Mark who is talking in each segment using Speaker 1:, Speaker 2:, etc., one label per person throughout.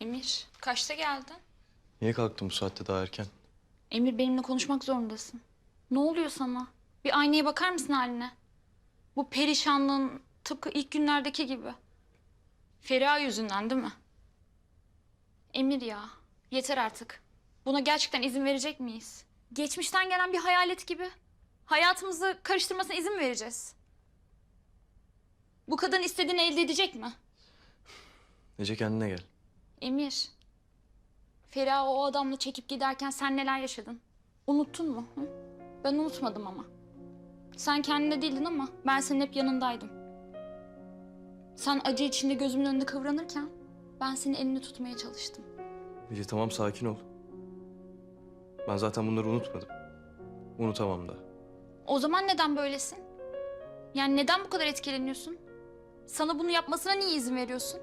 Speaker 1: Emir, kaçta geldin?
Speaker 2: Niye kalktın bu saatte daha erken?
Speaker 1: Emir, benimle konuşmak zorundasın. Ne oluyor sana? Bir aynaya bakar mısın haline? Bu perişanlığın tıpkı ilk günlerdeki gibi. Feriha yüzünden değil mi? Emir ya, yeter artık. Buna gerçekten izin verecek miyiz? Geçmişten gelen bir hayalet gibi. Hayatımızı karıştırmasına izin mi vereceğiz? Bu kadın istediğini elde edecek mi?
Speaker 2: Ece kendine gel.
Speaker 1: Emir, Feriha o adamla çekip giderken sen neler yaşadın? Unuttun mu? Hı? Ben unutmadım ama. Sen kendinde değildin ama ben senin hep yanındaydım. Sen acı içinde gözümün önünde kıvranırken ben senin elini tutmaya çalıştım.
Speaker 2: Ece tamam sakin ol. Ben zaten bunları unutmadım. Unutamam da.
Speaker 1: O zaman neden böylesin? Yani neden bu kadar etkileniyorsun? Sana bunu yapmasına niye izin veriyorsun?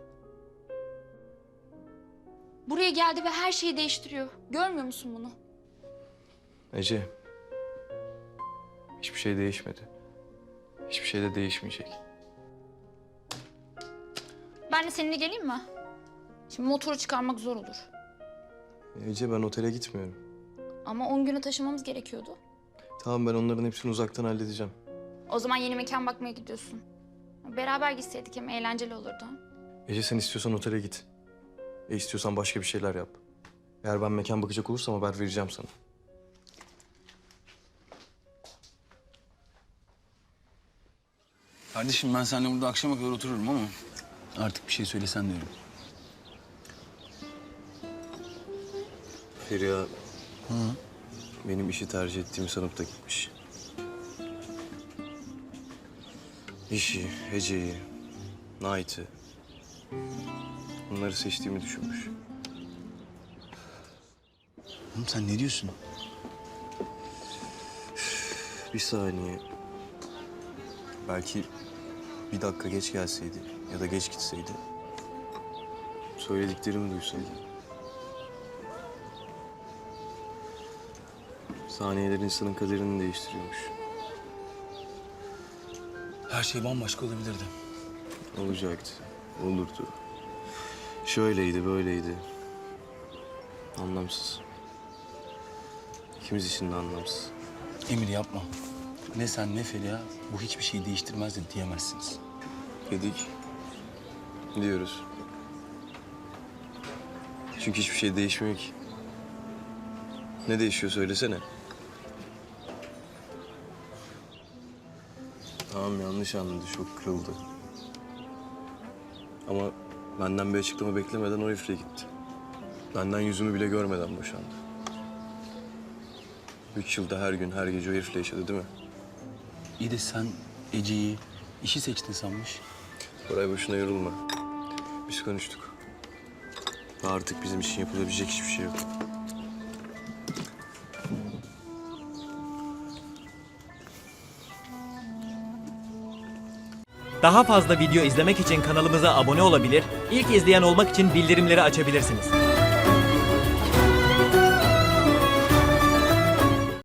Speaker 1: Buraya geldi ve her şeyi değiştiriyor. Görmüyor musun bunu?
Speaker 2: Ece. Hiçbir şey değişmedi. Hiçbir şey de değişmeyecek.
Speaker 1: Ben de seninle geleyim mi? Şimdi motoru çıkarmak zor olur.
Speaker 2: Ece ben otele gitmiyorum.
Speaker 1: Ama 10 güne taşımamız gerekiyordu.
Speaker 2: Tamam ben onların hepsini uzaktan halledeceğim.
Speaker 1: O zaman yeni mekan bakmaya gidiyorsun. Beraber gitseydik hem eğlenceli olurdu.
Speaker 2: Ece sen istiyorsan otele git. İstiyorsan başka bir şeyler yap. Eğer ben mekan bakacak olursam haber vereceğim sana.
Speaker 3: Kardeşim ben seninle burada akşama kadar otururum ama artık bir şey söylesen diyorum.
Speaker 2: Feriha benim işi tercih ettiğimi sanıp da gitmiş. İşi, Ece'yi, Knight'ı... Bunları seçtiğimi düşünmüş.
Speaker 3: Oğlum sen ne diyorsun?
Speaker 2: Bir saniye. Belki bir dakika geç gelseydi ya da geç gitseydi... söylediklerimi duysaydı. Saniyeler insanın kaderini değiştiriyormuş.
Speaker 3: Her şey bambaşka olabilirdi.
Speaker 2: Olacaktı, olurdu. Şöyleydi, böyleydi. Anlamsız. İkimiz için de anlamsız.
Speaker 3: Emir yapma. Ne sen ne Feriha bu hiçbir şeyi değiştirmez de diyemezsiniz.
Speaker 2: Dedik. Diyoruz. Çünkü hiçbir şey değişmiyor ki. Ne değişiyor söylesene. Tamam yanlış anladı, çok kırıldı. Ama benden bir açıklama beklemeden o herifle gitti. Benden yüzümü bile görmeden boşandı. 3 yılda her gün, her gece o herifle yaşadı değil mi?
Speaker 3: İyi de sen Ece'yi işi seçtin sanmış.
Speaker 2: Koray boşuna yorulma. Biz konuştuk. Artık bizim için yapılabilecek hiçbir şey yok.
Speaker 4: Daha fazla video izlemek için kanalımıza abone olabilir, ilk izleyen olmak için bildirimleri açabilirsiniz.